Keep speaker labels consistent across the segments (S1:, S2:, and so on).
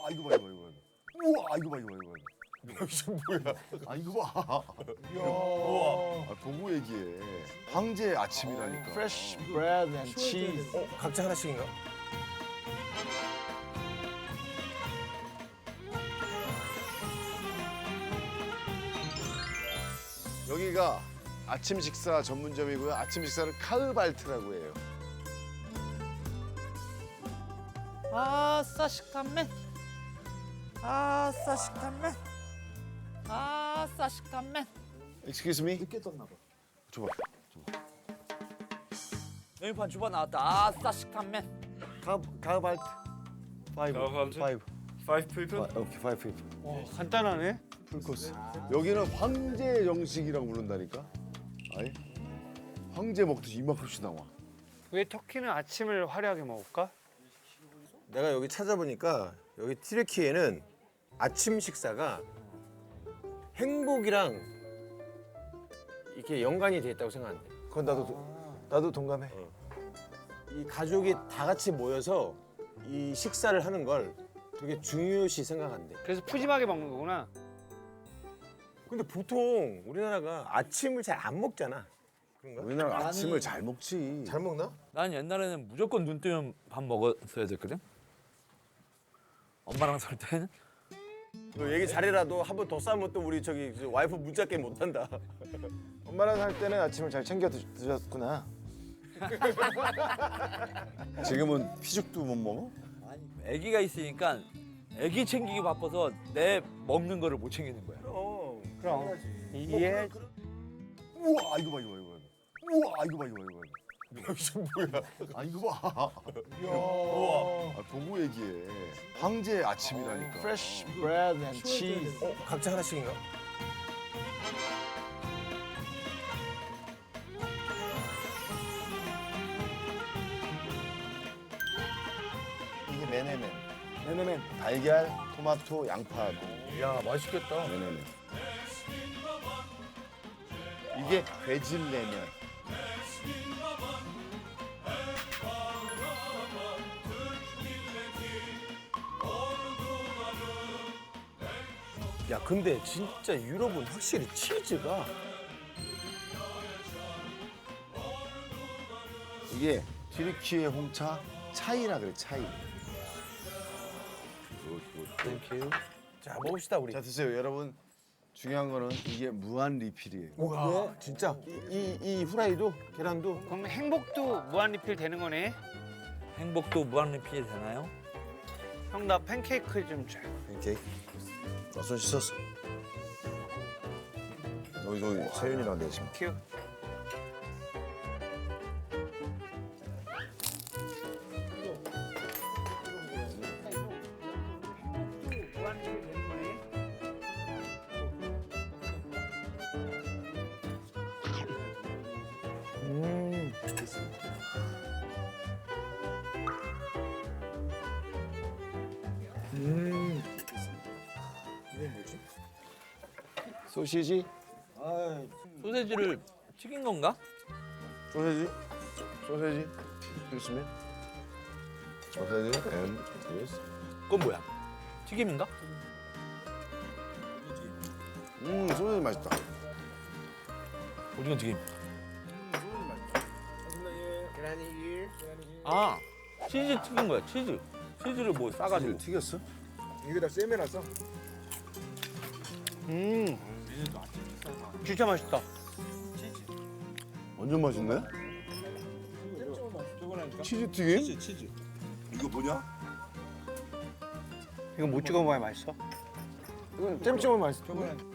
S1: 우와 이거 봐 이거 이거. 우와 이거 봐 이거 이거. 이게 뭐야? 아 이거 봐. 우와. 아, 보고 얘기해. 황제의 아침이라니까.
S2: Fresh bread and cheese.
S3: 각자 하나씩인가?
S1: 여기가 아침 식사 전문점이고요. 아침 식사를 카흐발트라고 해요.
S4: 아싸 식감맨 아싸 식감맨 아싸 식감맨
S1: Excuse me.
S2: 늦게 떴나 봐.
S1: 줘봐.
S4: 메뉴판 주바 나왔다. 아싸 식감맨.
S2: 가발트. 파이브.
S3: 가발트?
S2: 파이브.
S3: Five people?
S2: 오케이, 파이브 피프.
S3: 간단하네.
S1: 풀코스. 여기는 황제 정식이라고 부른다니까. 아예 황제 먹듯이 이만큼씩 나와.
S3: 왜 터키는 아침을 화려하게 먹을까?
S5: 내가 여기 찾아보니까 여기 튀르키예는 아침 식사가 행복이랑 이렇게 연관이 돼 있다고 생각하는데.
S2: 그건 나도 동감해.
S5: 이 가족이 다 같이 모여서 이 식사를 하는 걸 되게 중요시 생각한대.
S3: 그래서 푸짐하게 먹는 거구나.
S5: 근데 보통 우리나라가 아침을 잘 안 먹잖아. 그런가?
S1: 우리나라 아침을 잘 먹지.
S2: 잘 먹나?
S4: 난 옛날에는 무조건 눈 뜨면 밥 먹었어야 됐거든. 엄마랑 살 때는
S5: 너 얘기 잘해라도 한 번 더 싸면 또 우리 저기 와이프 문자 게임 못 한다.
S2: 엄마랑 살 때는 아침을 잘 챙겨 드셨구나.
S1: 지금은 피죽도 못 먹어?
S4: 아기가 있으니까 아기 챙기기 바빠서 내 먹는 거를 못 챙기는 거야.
S3: 그럼 이해.
S1: 우와 이거 봐 이거 이거. 우와 이거 봐 이거 이거. 이게 뭐야? 아 이거 봐. 우와. 아, 보고 얘기해. 황제의 아침이라니까.
S2: Fresh bread and cheese.
S5: 각자 하나씩인가?
S1: 이게 메네멘.
S2: 네네네.
S1: 달걀, 토마토, 양파.
S5: 야 맛있겠다.
S1: 메네멘. 이게 베질레멘.
S5: 야 근데 진짜 유럽은 확실히 치즈가
S1: 이게 튀르키예 홍차 차이라 그래 차이.
S5: 땡큐. 자 먹읍시다 우리.
S1: 자 드세요 여러분. 중요한 거는 이게 무한 리필이에요.
S5: 와 진짜 이 후라이도 계란도
S3: 그럼 행복도 무한 리필 되는 거네.
S4: 행복도 무한 리필이 되나요?
S3: 형 나 팬케이크 좀 줘.
S1: 오케이. 나 손 씻었어. 여기 세윤이랑 내가 지금.
S3: 큐. 무한 리필 되는 거네.
S2: 소시지.
S4: 소세지를 튀긴 건가?
S1: 소세지. 소세지. 있으면. 소세지 and this.
S4: 그건 뭐야? 튀김인가?
S1: 소세지 맛있다.
S4: 오징어 튀김.
S5: 계란이
S4: 아 치즈 튀긴 거야 치즈. 치즈를 뭐 싸가지고.
S1: 튀겼어?
S2: 여기다 쌤해놨어.
S3: 진짜 맛있다.
S1: 완전 맛있네. 치즈 튀김? 치즈. 이거 뭐냐?
S3: 이거 못 찍어 먹어야 맛있어.
S2: 이건 잼 찍으면 맛있어.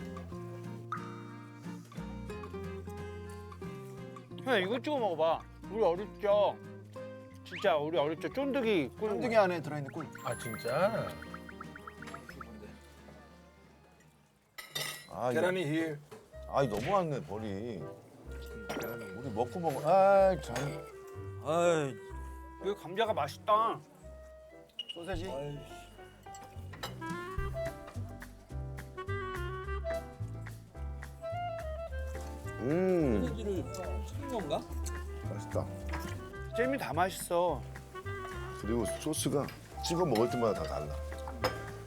S3: 형 이거 찍어 먹어봐. 우리 어릴 적 진짜 우리 어릴 적 쫀득이 꿀.
S2: 쫀득이 안에 들어있는 꿀.
S5: 아 진짜?
S1: 아,
S5: 계란이 힐.
S1: 아, 너무하네 벌이. 우리 먹고 먹어. 아, 참.
S4: 아이
S3: 이거 감자가 맛있다.
S2: 소세지.
S4: 소세지를 튀긴 건가?
S1: 맛있다.
S3: 잼이 다 맛있어.
S1: 그리고 소스가 찍어 먹을 때마다 다 달라.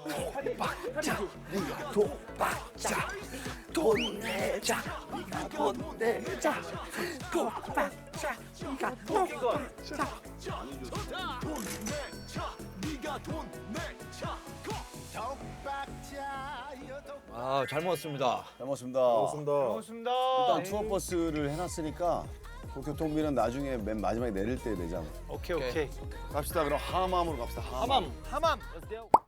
S4: 독박자 네가 독박자 돈 내자 네가 돈 내자 독박자 네가 독박자. 아, 잘 먹었습니다.
S1: 잘 먹었습니다.
S3: 고맙습니다.
S1: 일단 투어 버스를 해놨으니까 그 교통비는 나중에 맨 마지막에 내릴 때 내잖아.
S3: 오케이.
S1: 갑시다. 그럼 하맘으로 갑시다. 하맘.
S3: 하맘. Let's go.